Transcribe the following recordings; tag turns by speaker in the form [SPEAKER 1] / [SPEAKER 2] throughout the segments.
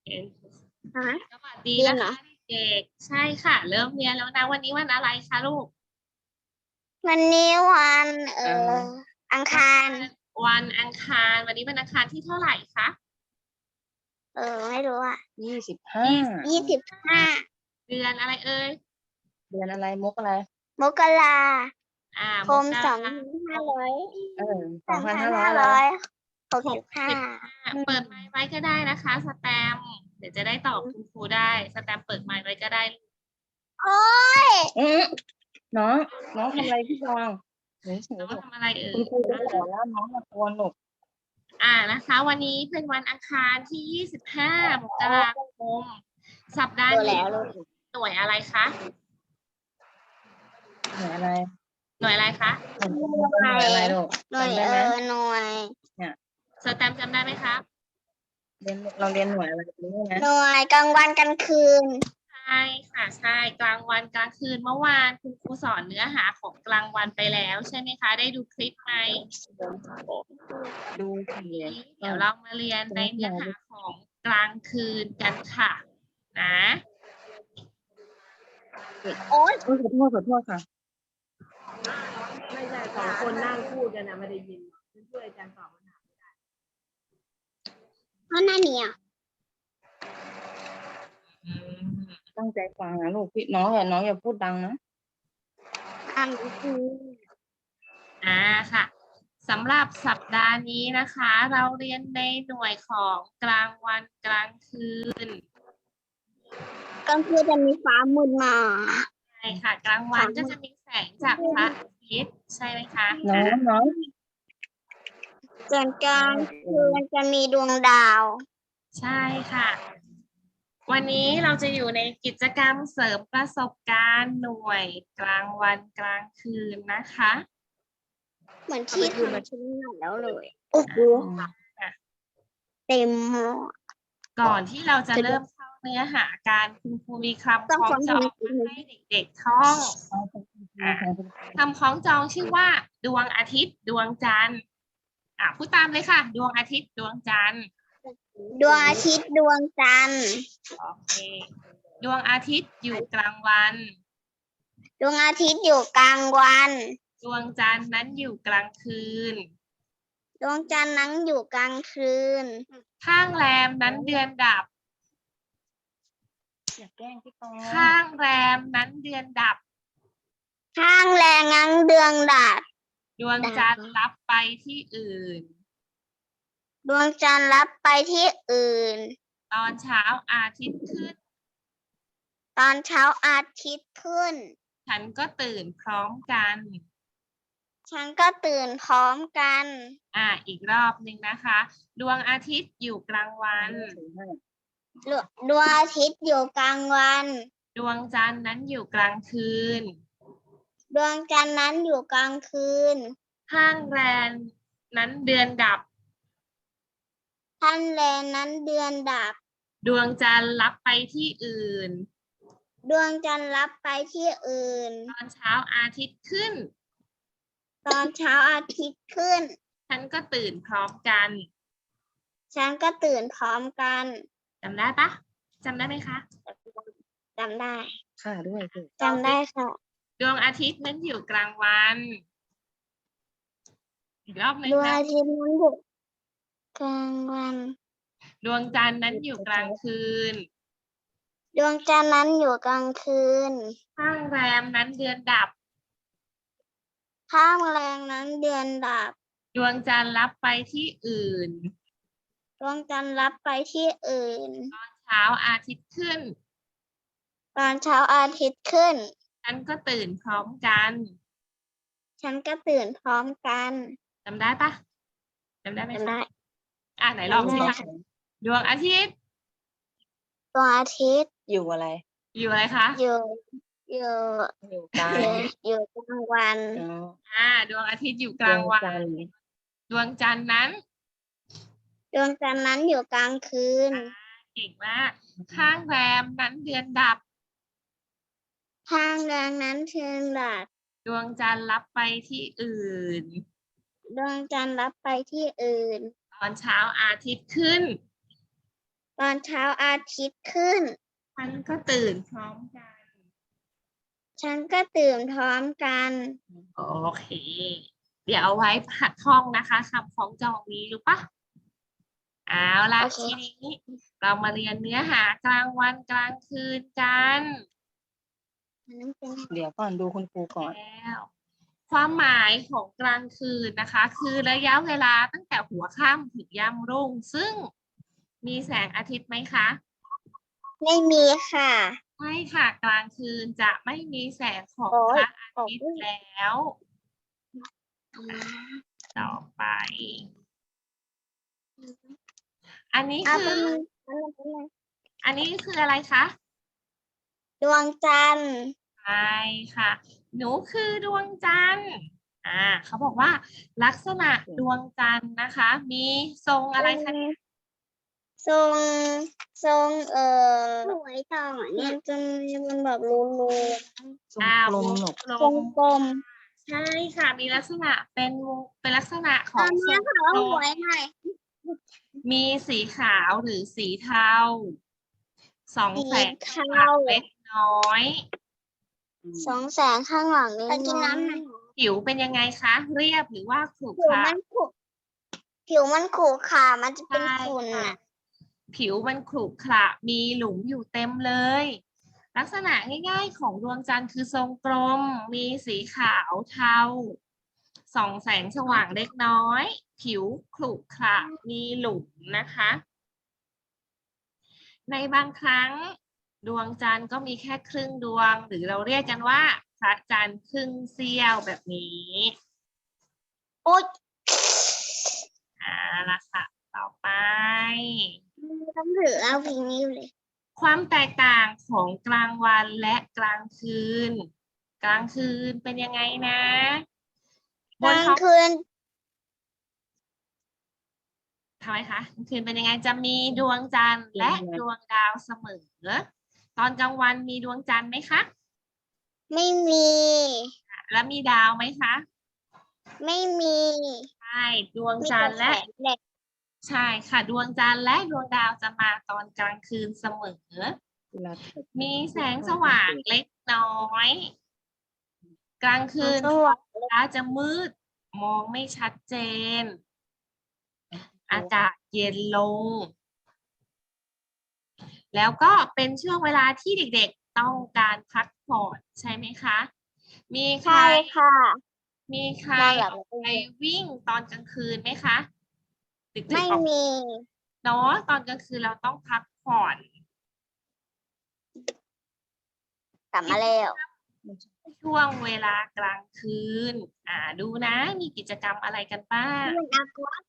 [SPEAKER 1] ฮะ
[SPEAKER 2] สวัสดี
[SPEAKER 1] เรียน
[SPEAKER 2] นะ
[SPEAKER 1] เหรอ
[SPEAKER 2] คะเด็กๆใช่ค่ะ เริ่มเรียนแล้วนะวันนี้วันอะไรคะลูก
[SPEAKER 1] วันนี้วันอังคาร
[SPEAKER 2] วันอังคารวันนี้วันอังคารที่เท่าไหร่คะ
[SPEAKER 1] ไม่รู้อ่ะ
[SPEAKER 3] 25
[SPEAKER 1] 25
[SPEAKER 2] เดือนอะไรเอ่ย
[SPEAKER 3] เดือนอะไรมกอะไร
[SPEAKER 1] มกรา
[SPEAKER 2] ม
[SPEAKER 1] คม
[SPEAKER 2] กรา
[SPEAKER 1] 2565
[SPEAKER 2] เปิดไมค์ไว้ก็ได้นะคะสแตมป์เดี๋ยวจะได้ตอบคุณครูได้สแตมป์เปิดไมค์ไว้ก็ได้
[SPEAKER 1] โอ้ย
[SPEAKER 3] น้องทำอะไรพี่ฟองเฮ้ย
[SPEAKER 2] น้องทำอะไรเอ่
[SPEAKER 3] คุณ
[SPEAKER 2] ย
[SPEAKER 3] ครูจะสอนแล้วน้องมาโกนหนู
[SPEAKER 2] นะคะ วันนี้เป็นวันอังคารที่ 25 มกราคมสัปดาห์
[SPEAKER 1] รู้
[SPEAKER 2] นี้
[SPEAKER 1] แล้ว
[SPEAKER 2] หน่วยอะไรคะ
[SPEAKER 3] หน่วยอะไร
[SPEAKER 2] หน่วยอะไรคะ
[SPEAKER 3] หน่วยอะไรลูก
[SPEAKER 1] หน่วย
[SPEAKER 3] จำได้ไหม
[SPEAKER 1] หน่วย
[SPEAKER 2] สแตมป์จำได้ไหมครับ
[SPEAKER 3] เราเรียนหน่วยอะไรรู้ไหม
[SPEAKER 1] หน่วยกลางวันกลางคืน
[SPEAKER 2] ใช่ค่ะใช่กลางวันกลางคืนเมื่อวานคุณครูสอนเนื้อหาของกลางวันไปแล้วใช่ไหมคะ ได้ดูคลิปไหม
[SPEAKER 3] ดูสิ
[SPEAKER 2] เดี๋ยวเรามาเรียนในเนื้อหาของกลางคืนกันค่ะนะ
[SPEAKER 1] โอ๊ย
[SPEAKER 3] ขอโทษค่ะ
[SPEAKER 4] ไม่ใช่สองคนนั่งพูดกันนะไม่ได้ยินช่วยอาจารย์ตอบคำถาม
[SPEAKER 1] เพราะหน้าเนี่ย
[SPEAKER 3] ตั้งใจฟังนะลูกพี่น้องอย่าพูดดังนะ
[SPEAKER 1] อ่านคือ
[SPEAKER 2] ค่ะสำหรับสัปดาห์นี้นะคะ เราเรียนในหน่วยของกลางวันกลางคืน
[SPEAKER 1] กลางคืนจะมีฟ้ามืดมา
[SPEAKER 2] ใช่ค่ะ กลางวันก็จะมีแสงจากพระอาทิตย์ใช่ไหมคะ
[SPEAKER 3] น้อง
[SPEAKER 1] ส่วนกลางคืนจะมีดวงดาว
[SPEAKER 2] ใช่ค่ะ วันนี้เราจะอยู่ในกิจกรรมเสริมประสบการณ์หน่วยกลางวันกลางคืนนะคะ
[SPEAKER 1] เหมือนที่ทำชิ้นใหม่แล้วเลยโอ้โหเต็มหม้อ
[SPEAKER 2] ก่อนที่เราจะเริ่มเข้าเนื้อหาการคุณครูมีคำคล้องจองให้เด็กๆท่องคำคล้องจองชื่อว่า ดวงอาทิตย์ดวงจันทร์พูดตามเลยค่ะ ดวงอาทิตย์ดวงจันทร์
[SPEAKER 1] ดวงอาทิตย์ดวงจันทร์
[SPEAKER 2] โอเคดวงอาทิตย์อยู่กลางวัน
[SPEAKER 1] ดวงอาทิตย์อยู่กลางวัน
[SPEAKER 2] ดวงจันทร์นั้นอยู่กลางคืน
[SPEAKER 1] ดวงจันทร์นั้นอยู่กลางคืน
[SPEAKER 2] ข้างแรมนั้นเดือนดับ
[SPEAKER 3] อย่าแกล้งพี่ฟอง
[SPEAKER 2] ข้างแรมนั้นเดือนดับ
[SPEAKER 1] ข้างแรงนั้นเดือนดับ
[SPEAKER 2] ดวงจันทร์รับไปที่อื่น
[SPEAKER 1] ดวงจันทร์รับไปที่อื่น
[SPEAKER 2] ตอนเช้าอาทิตย์ขึ้น
[SPEAKER 1] ตอนเช้าอาทิตย์ขึ้น
[SPEAKER 2] ฉันก็ตื่นพร้อมกัน
[SPEAKER 1] ฉันก็ตื่นพร้อมกัน
[SPEAKER 2] อีกรอบหนึ่งนะคะ ดวงอาทิตย์อยู่กลางวัน
[SPEAKER 1] ดวงอาทิตย์อยู่กลางวัน
[SPEAKER 2] ดวงจันทร์นั้นอยู่กลางคืน
[SPEAKER 1] ดวงจันทร์นั้นอยู่กลางคืน
[SPEAKER 2] ข้างแรมนั้นเดือนดับ
[SPEAKER 1] ท่านแรงนั้นเดือนดับ
[SPEAKER 2] ดวงจันทร์รับไปที่อื่น
[SPEAKER 1] ดวงจันทร์รับไปที่อื่น
[SPEAKER 2] ตอนเช้าอาทิตย์ขึ้น
[SPEAKER 1] ตอนเช้าอาทิตย์ขึ้น
[SPEAKER 2] ฉันก็ตื่นพร้อมกัน
[SPEAKER 1] ฉันก็ตื่นพร้อมกัน
[SPEAKER 2] จำได้ปะจำได้ไหมคะ
[SPEAKER 1] จำได้
[SPEAKER 3] ค่ะด้วยสิ
[SPEAKER 1] จำได้ค่ะ
[SPEAKER 2] ดวงอาทิตย์นั้นอยู่กลางวัน อีกรอบหนึ่ง
[SPEAKER 1] ดวง
[SPEAKER 2] นะ
[SPEAKER 1] อาทิตย์นั้นอยู่กลางวัน
[SPEAKER 2] ดวงจันทร์นั้นอยู่กลางคืน
[SPEAKER 1] ดวงจันทร์นั้นอยู่กลางคืน
[SPEAKER 2] ข้างแรมนั้นเดือนดับ
[SPEAKER 1] ข้างแรงนั้นเดือนดับ
[SPEAKER 2] ดวงจันทร์รับไปที่อื่น
[SPEAKER 1] ดวงจันทร์รับไปที่อื่น
[SPEAKER 2] ตอนเช้าอาทิตย์ขึ้น
[SPEAKER 1] ตอนเช้าอาทิตย์ขึ้น
[SPEAKER 2] ฉันก็ตื่นพร้อมกัน
[SPEAKER 1] ฉันก็ตื่นพร้อมกัน
[SPEAKER 2] จำได้ปะจำได้ไหม
[SPEAKER 1] จำได้
[SPEAKER 2] คะไหนลองสิ
[SPEAKER 1] จำได้
[SPEAKER 2] คะดวงอาทิตย์
[SPEAKER 1] ดวงอาทิตย์
[SPEAKER 3] อยู่อะไร
[SPEAKER 2] อยู่อะไรคะ
[SPEAKER 1] อยู่
[SPEAKER 3] อยู่กลาง
[SPEAKER 1] อยู่กลางวัน
[SPEAKER 2] ดวงอาทิตย์อยู่กลางวัน ดวงจันทร์นั้น
[SPEAKER 1] ดวงจันทร์นั้นอยู่กลางคืน
[SPEAKER 2] เก่งมาก ข้างแรมนั้นเดือนดับ
[SPEAKER 1] ข้างแรงนั้นเดือนดับ
[SPEAKER 2] ดวงจันทร์รับไปที่อื่น
[SPEAKER 1] ดวงจันทร์รับไปที่อื่น
[SPEAKER 2] ตอนเช้าอาทิตย์ขึ้น
[SPEAKER 1] ตตอนเช้าอาทิตย์ขึ้น
[SPEAKER 2] ฉันก็ตื่นพร้อมกัน
[SPEAKER 1] ฉันก็ตื่นพร้อมกัน
[SPEAKER 2] โอเค เดี๋ยวเอาไว้หัดท่องนะคะคำคล้องจองนี้รู้ปะเอาละ
[SPEAKER 1] โอเค
[SPEAKER 2] ทีนี้เรามาเรียนเนื้อหากลางวันกลางคืนกัน
[SPEAKER 3] เดี๋ยวก่อนดูคุณครูก่อน
[SPEAKER 2] แล้วความหมายของกลางคืนนะคะ คือระยะเวลาตั้งแต่หัวค่ำถึงยามรุ่ง ซึ่งมีแสงอาทิตย์ไหมคะ
[SPEAKER 1] ไม่มีค่ะ
[SPEAKER 2] ไม่ค่ะกลางคืนจะไม่มีแสงของ
[SPEAKER 1] โอ้
[SPEAKER 2] พ
[SPEAKER 1] ย
[SPEAKER 2] ระอาทิตย์แล้ว ต่อไป อันนี้
[SPEAKER 1] เอา
[SPEAKER 2] คื
[SPEAKER 1] เป็น
[SPEAKER 2] อ อันนี้คืออะไรคะ
[SPEAKER 1] ดวงจันทร์
[SPEAKER 2] ใช่ค่ะ หนูคือดวงจันทร์เขาบอกว่า ลักษณะดวงจันทร์นะคะ มีทรงอะไรคะ
[SPEAKER 1] ทรงสวยต่อเนี่ยมันแบบรู
[SPEAKER 3] ทรงกลมหนก
[SPEAKER 2] กล
[SPEAKER 1] ทรง
[SPEAKER 2] ม
[SPEAKER 1] กลม
[SPEAKER 2] ใช่ค่ะ มีลักษณะเป็นลักษณะของทรงกลม
[SPEAKER 1] หน่อย
[SPEAKER 2] มีสีขาวหรือสีเทาสองแสง
[SPEAKER 1] สี
[SPEAKER 2] สว่าง
[SPEAKER 1] เทา
[SPEAKER 2] เล็กน้อย
[SPEAKER 1] สองแสงข้างหลังนี่กินน้ำหน่อย
[SPEAKER 2] ผิวเป็นยังไงคะ เรียบหรือว่าขรุ
[SPEAKER 1] ผิว
[SPEAKER 2] ขระ
[SPEAKER 1] มันขรุขระมันจะเป็นฝุ่น
[SPEAKER 2] ใช่
[SPEAKER 1] อ่ะ
[SPEAKER 2] ค่ะ ผิวมันขรุขระมีหลุมอยู่เต็มเลย ลักษณะง่ายๆของดวงจันทร์คือทรงกลม มีสีขาวเทาส่องแสงสว่างเล็กน้อย ผิวขรุขระมีหลุมนะคะ ในบางครั้งดวงจันทร์ก็มีแค่ครึ่งดวง หรือเราเรียกกันว่าพระจันทร์ครึ่งเสี้ยวแบบนี้
[SPEAKER 1] โอ๊ย
[SPEAKER 2] ละค่ะ ต่อไป
[SPEAKER 1] ต้องถือเอาพิงนิ้วเลย
[SPEAKER 2] ความแตกต่างของกลางวันและกลางคืน กลางคืนเป็นยังไงนะ
[SPEAKER 1] กลางคืน
[SPEAKER 2] ทำไมคะกลางคืนเป็นยังไงจะมีดวงจันทร์และดวงดาวเสมอ ตอนกลางวันมีดวงจันทร์ไหมคะ
[SPEAKER 1] ไม่มี
[SPEAKER 2] แล้วมีดาวไหมคะ
[SPEAKER 1] ไม่มี
[SPEAKER 2] ใช่ดวง
[SPEAKER 1] มี
[SPEAKER 2] จัน
[SPEAKER 1] แต่
[SPEAKER 2] ทร์
[SPEAKER 1] แส
[SPEAKER 2] และ
[SPEAKER 1] งแดด
[SPEAKER 2] ใช่ค่ะ ดวงจันทร์และดวงดาวจะมาตอนกลางคืนเสมอ
[SPEAKER 3] เวลาถ่าย
[SPEAKER 2] มีแสงสว่างเล็กน้อย กลางคืน
[SPEAKER 1] สว่าง
[SPEAKER 2] ฟ้าจะมืดมองไม่ชัดเจน อากาศเย็นลง แล้วก็เป็นช่วงเวลาที่เด็กๆต้องการพักผ่อนใช่ไหมคะ มีใคร
[SPEAKER 1] ใช่ค่ะ
[SPEAKER 2] มีใคร
[SPEAKER 1] นอนหลับ
[SPEAKER 2] ไปวิ่งตอนกลางคืนไหมคะ ดึก
[SPEAKER 1] ไม่
[SPEAKER 2] ๆออก
[SPEAKER 1] มี
[SPEAKER 2] เนาะตอนกลางคืนเราต้องพักผ่อน
[SPEAKER 1] กลับมาแล้ว
[SPEAKER 2] ช่วงเวลากลางคืน ดูนะมีกิจกรรมอะไรกันบ้าง
[SPEAKER 1] มันอักวะ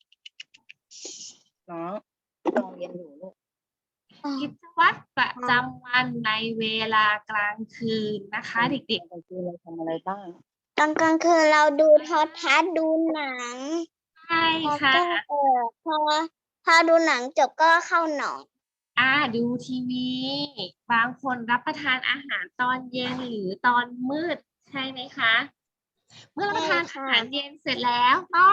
[SPEAKER 3] เนาะลองเรียนอยู่ลูก
[SPEAKER 2] กิจวัตรประจำวันในเวลากลางคืนนะคะ เด็ก
[SPEAKER 3] กลางคืนเราทำอะไรบ้าง
[SPEAKER 1] ตอนกลางคืนเราดูโทรทัศน์ดูหนัง
[SPEAKER 2] ๆ ใช่
[SPEAKER 1] แล้ว
[SPEAKER 2] ค่ะ
[SPEAKER 1] ก็พอดูหนังจบก็เข้านอน
[SPEAKER 2] ดูทีวี บางคนรับประทานอาหารตอนเย็นหรือตอนมืดใช่ไหมคะ เมื่อรับประทาน
[SPEAKER 1] ใช่
[SPEAKER 2] อา
[SPEAKER 1] ค่ะ
[SPEAKER 2] หารเย็นเสร็จแล้วต้อง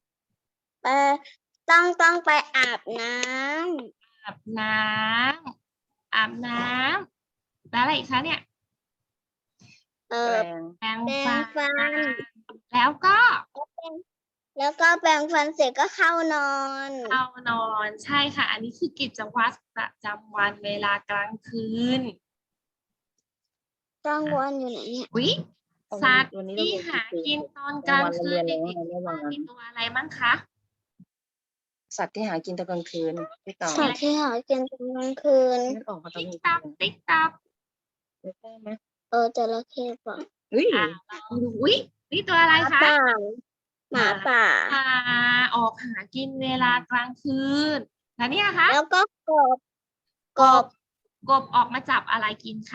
[SPEAKER 1] ต้องไปอาบน้
[SPEAKER 2] อาบน้ำแล้วอะไรอีกคะเนี่ย
[SPEAKER 1] ำ
[SPEAKER 3] แปลง
[SPEAKER 2] แปรง
[SPEAKER 1] แปรง
[SPEAKER 2] ฟั
[SPEAKER 1] ฟั
[SPEAKER 2] น
[SPEAKER 1] น
[SPEAKER 2] แล้วก็
[SPEAKER 1] แล้วก็แปรงฟันเสร็จก็เข้านอน
[SPEAKER 2] เข้านอนใช่ค่ะ อันนี้คือกิจวัตรประจำวันเวลากลางคืน
[SPEAKER 1] กลางวันอยู่ไหนเนี่ย
[SPEAKER 2] วิสัตว์
[SPEAKER 3] วันนี้เรา
[SPEAKER 2] ที่
[SPEAKER 3] เรียน
[SPEAKER 2] หา
[SPEAKER 3] กี่
[SPEAKER 2] กิน
[SPEAKER 3] ตัว
[SPEAKER 2] ตอนกลางคืน
[SPEAKER 3] เราเรียน
[SPEAKER 2] เด็ก
[SPEAKER 3] แล้ว
[SPEAKER 2] ๆ
[SPEAKER 3] วันนั้น
[SPEAKER 2] มีตัวอะไรบ้างคะ
[SPEAKER 3] สัตว์ที่หากินตอนกลางคืนพี่ต่อ
[SPEAKER 1] สัตว์ที่หากินตอนกลางคืน
[SPEAKER 3] นึกออกมาตอน
[SPEAKER 2] ติ๊ก
[SPEAKER 3] กลาง
[SPEAKER 2] ตัก
[SPEAKER 3] คืน
[SPEAKER 2] ติ๊กตัก
[SPEAKER 3] นึกได้ไหม
[SPEAKER 1] จระเข้ป่ะ
[SPEAKER 3] เฮ้ย
[SPEAKER 2] ลองดูวินี่ตัวอะไรคะ
[SPEAKER 1] หมาป่า
[SPEAKER 2] ปลาออกหากินเวลากลางคืนแล้วเนี่ยคะ
[SPEAKER 1] แล้วก็กบ
[SPEAKER 2] กบออกมาจับอะไรกินคะ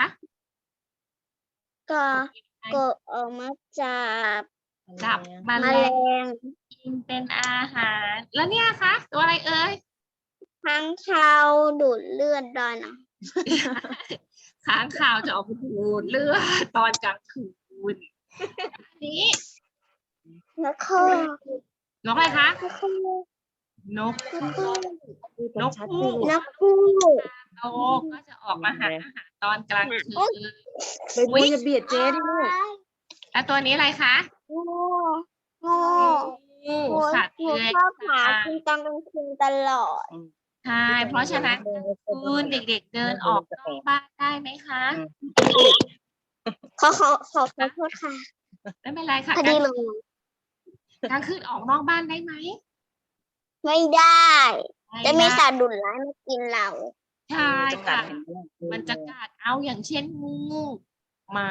[SPEAKER 1] กบออกมาจับ
[SPEAKER 2] จับแม
[SPEAKER 1] แม
[SPEAKER 2] ล
[SPEAKER 1] ล
[SPEAKER 2] ง
[SPEAKER 1] ง
[SPEAKER 2] กินเป็นอาหาร แล้วเนี่ยคะตัวอะไรเอ่ย
[SPEAKER 1] ค้างคาวดูดเลือดได้นะ
[SPEAKER 2] ค้างคาวจะออกมาดูดเลือดตอนกลางคืนอันนี้
[SPEAKER 1] แล้วก็
[SPEAKER 2] นกอะไรคะ
[SPEAKER 1] แล้วก็
[SPEAKER 2] นก
[SPEAKER 3] นกฮูก
[SPEAKER 1] นกฮูก
[SPEAKER 2] โตก็จะออกมาหาอาหารตอนกลางคืน
[SPEAKER 3] ใบบัวจะเบียดเจ๊ดิลูก
[SPEAKER 2] แล้วตัวนี้อะไรคะ
[SPEAKER 1] โง่โง่
[SPEAKER 2] งูสัตว์
[SPEAKER 1] หนู
[SPEAKER 2] เลื้อย
[SPEAKER 1] ชอบหากินตอนกลางคืนตลอด
[SPEAKER 2] ใช่เพราะฉะนั้นคืนเด็กๆเดินออกนอกบ้านได้ไหมคะ
[SPEAKER 1] ขอโทษค่ะ
[SPEAKER 2] ไม่เป็นไรค่ะ
[SPEAKER 1] พอดีลง
[SPEAKER 2] กลางคืนออกนอกบ้านได้ไหม
[SPEAKER 1] ไม่ได้ จะมี
[SPEAKER 2] ได้
[SPEAKER 1] สัตว์ดุร้ายมากินเรา
[SPEAKER 2] ใช่ค่ะ มันจะกัดเอาอย่างเช่นงูหมา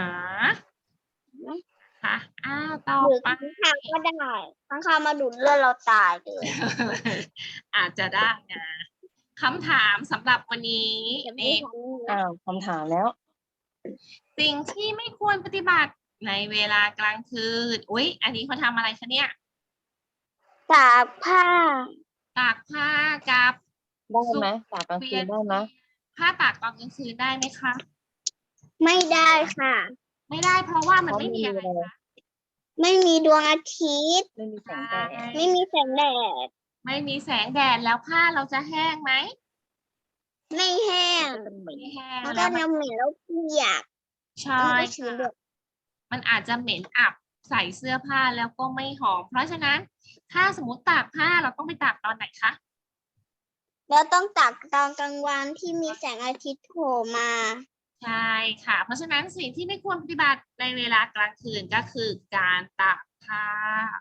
[SPEAKER 2] ค่ะอ้าวต่อ
[SPEAKER 1] หรือ
[SPEAKER 2] ไป
[SPEAKER 1] ข้างคาวก็ได้ข้างคาวมาดูดเลือดเราตายเลย
[SPEAKER 2] อาจจะได้นะคำถามสำหรับวันนี้
[SPEAKER 1] จะไม่
[SPEAKER 2] นี่
[SPEAKER 1] ทำ
[SPEAKER 3] อ้าวคำถามแล้ว
[SPEAKER 2] สิ่งที่ไม่ควรปฏิบัติในเวลากลางคืนอุ๊ย อันนี้เขาทำอะไรคะเนี่ย
[SPEAKER 1] ตากผ้า
[SPEAKER 2] ตากผ้ากับ
[SPEAKER 3] ได้ไหมตากกลางคืนได้ไหม
[SPEAKER 2] ผ้าตากตอนกลางคืนได้ไหมคะ
[SPEAKER 1] ไม่ได้ค่ะ
[SPEAKER 2] ไม่ได้เพราะว่ามันไม่มีอะไรคะ
[SPEAKER 1] ไม่มีดวงอาทิตย์
[SPEAKER 3] ไม่มีแสงแดด
[SPEAKER 1] ไม่มีแสงแดด
[SPEAKER 2] ไม่มีแสงแดดแล้วผ้าเราจะแห้งไหม
[SPEAKER 1] ไม่แห้ง
[SPEAKER 3] เป็นเหมือน
[SPEAKER 2] ไม่แห้ง
[SPEAKER 1] มัน
[SPEAKER 2] แล้
[SPEAKER 1] ก็
[SPEAKER 2] วมัน
[SPEAKER 1] น้ำเหม็นแล้วเปียก
[SPEAKER 2] ใช่
[SPEAKER 1] มันก็ชื้นด้วย
[SPEAKER 2] มันอาจจะเหม็นอับใส่เสื้อผ้าแล้วก็ไม่หอม เพราะฉะนั้นถ้าสมมติตากผ้าเราต้องไปตากตอนไหนคะ
[SPEAKER 1] แล้วต้องตากตอนกลางวันที่มีแสงอาทิตย์โผล่มา
[SPEAKER 2] ใช่ค่ะ เพราะฉะนั้นสิ่งที่ไม่ควรปฏิบัติในเวลากลางคืนก็คือการตากผ้า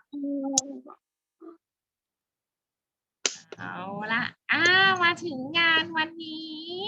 [SPEAKER 2] เอาละมาถึงงานวันนี้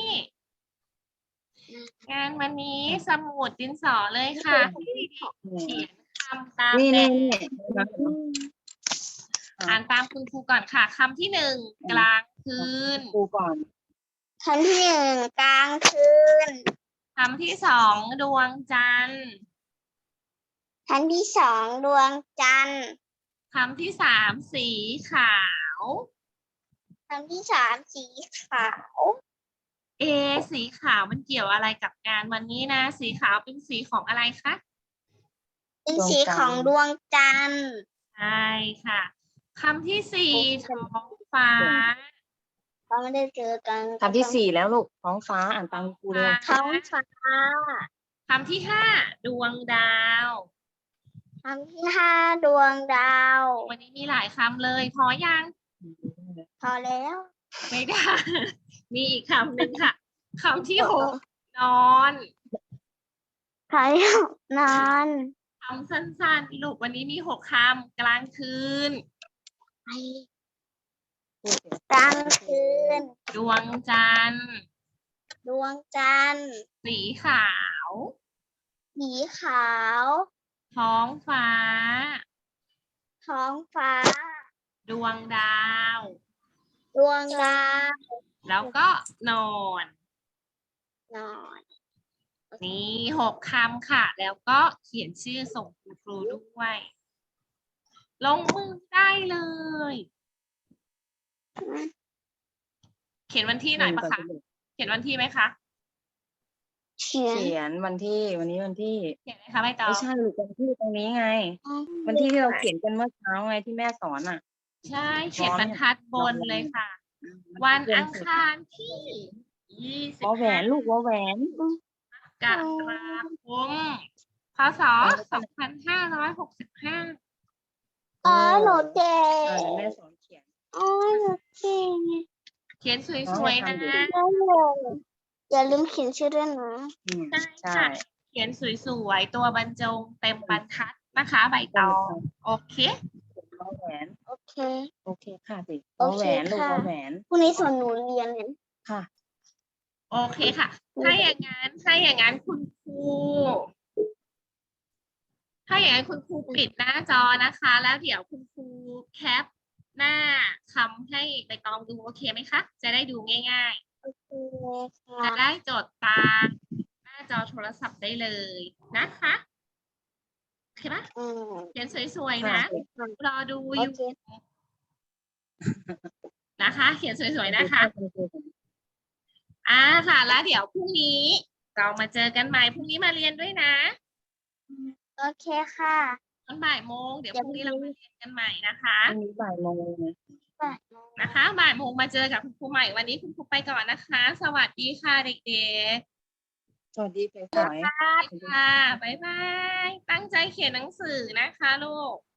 [SPEAKER 2] งานวันนี้สมุดดินสอเลยค่ะให้เด็กๆเขียนคำตาม
[SPEAKER 3] นี่
[SPEAKER 2] แบ
[SPEAKER 3] นี่
[SPEAKER 2] บ
[SPEAKER 3] นี่
[SPEAKER 2] อ่านตามคุณครูก่อนค่ะคำที่หนึ่งกลางคืน
[SPEAKER 3] ครูก่อน
[SPEAKER 1] คำที่หนึ่งกลางคืน
[SPEAKER 2] คำที่สองดวงจันทร์
[SPEAKER 1] คำที่สองดวงจันทร์
[SPEAKER 2] คำที่สามสีขาว
[SPEAKER 1] คำที่สามสีขาว
[SPEAKER 2] สีขาวมันเกี่ยวอะไรกับงานวันนี้นะ สีขาวเป็นสีของอะไรคะ
[SPEAKER 1] เป็นสีของดวงจันทร์
[SPEAKER 2] ใช่ค่ะคำที่สี่ท้องฟ้า
[SPEAKER 1] เขาไม่ได้เจอกัน
[SPEAKER 3] คำที่สี่แล้วลูกท้องฟ้าอ่านตามครูเลย
[SPEAKER 1] ท้องฟ้า
[SPEAKER 2] คำที่ห้าดวงดาว
[SPEAKER 1] คำที่ห้าดวงดาว
[SPEAKER 2] วันนี้มีหลายคำเลยพอยัง
[SPEAKER 1] พอแล้ว
[SPEAKER 2] ไม่ได้ มีอีกคำหนึ่งค่ะคำที่หกนอน
[SPEAKER 1] พอแล้วนอน
[SPEAKER 2] คำสั้นๆลูกวันนี้มีหกคำกลางคืน
[SPEAKER 1] ไปกลางคืน
[SPEAKER 2] ดวงจันทร์
[SPEAKER 1] ดวงจันทร์
[SPEAKER 2] สีขาว
[SPEAKER 1] สีขาว
[SPEAKER 2] ท้องฟ้า
[SPEAKER 1] ท้องฟ้า
[SPEAKER 2] ดวงดาว
[SPEAKER 1] ดวงดาว
[SPEAKER 2] แล้วก็นอน
[SPEAKER 1] นอน
[SPEAKER 2] นี่หกคำค่ะ แล้วก็เขียนชื่อส่งคุณครูด้วย ลงมือได้เลย เขียนวันที่หน่อยปะคะ เขียนวันที่ไหมคะ
[SPEAKER 1] เขียน
[SPEAKER 3] เขียนวันที่วันนี้วันที่
[SPEAKER 2] เขียนไหมคะใบตอง
[SPEAKER 3] ไม่ใช่ลูกวันที่ตรงนี้ไง วันที่ที่เราเขียนกันเมื่อเช้าไงที่แม่สอนอ่ะ
[SPEAKER 2] ใช่ เขียนบรรทัดบนเลยค่ะ วันอังคารที่20
[SPEAKER 3] วอแหวนลูกวอแหวน
[SPEAKER 2] กรกฎาคมพศ2565
[SPEAKER 1] อ๋อหนูเก่
[SPEAKER 3] เดี๋ยว
[SPEAKER 1] ง
[SPEAKER 3] แม่สอนเขียน
[SPEAKER 1] อ๋อหนูเก่ง
[SPEAKER 2] เขียนสวยๆนะ
[SPEAKER 1] อย่าลืมเขียนชื่อด้วยนะ
[SPEAKER 2] ใช่
[SPEAKER 3] ใช่
[SPEAKER 2] ค่ะ เขียนสวยๆ ตัวบรรจงเต็มบรรทัดนะคะใบตอง โอเค
[SPEAKER 3] วอแหวน
[SPEAKER 1] โอเค
[SPEAKER 3] โอเคค่ะสิ
[SPEAKER 1] โอ
[SPEAKER 3] วอ
[SPEAKER 1] เค
[SPEAKER 3] แหวนลูก
[SPEAKER 1] ค่ะ
[SPEAKER 3] วอแหวน
[SPEAKER 1] พรุ่งนี้ส่วนหนูเรียนเนี่ย
[SPEAKER 3] ค่ะ
[SPEAKER 2] โอเคค่ะ ถ้าอย่างนั้นคุณครู ถ้าอย่างนั้นคุณครูปิดหน้าจอนะคะ แล้วเดี๋ยวคุณครูแคปหน้าคำให้ใบตองดูโอเคไหมคะ จะได้ดูง่ายๆ
[SPEAKER 1] โอเคค่ะ
[SPEAKER 2] จะได้จดตามหน้าจอโทรศัพท์ได้เลยนะคะโอเคปะ
[SPEAKER 1] อืม
[SPEAKER 2] เขียนสวยๆนะ รอดู
[SPEAKER 1] โอ
[SPEAKER 2] อยู่
[SPEAKER 1] เค
[SPEAKER 2] นะคะ เขียนสวยๆนะคะค่ะ แล้วเดี๋ยวพรุ่งนี้เรามาเจอกันใหม่พรุ่งนี้มาเรียนด้วยนะ
[SPEAKER 1] โอเคค่ะ
[SPEAKER 2] ตอนบ่ายโมงเดี๋ยวพรุ่งนี้เรามาเรียนกันใหม่นะคะ
[SPEAKER 3] พรุ่งนี้บ่ายโมงนะ
[SPEAKER 2] นะคะบ่ายโมงมาเจอกับคุณครูใหม่วันนี้คุณครูไปก่อนนะคะ สวัสดีค่ะเด็ก
[SPEAKER 3] สวัสดีไปหอย
[SPEAKER 2] ๆค่ะบ๊ายบายตั้งใจเขียนหนังสือนะคะลูก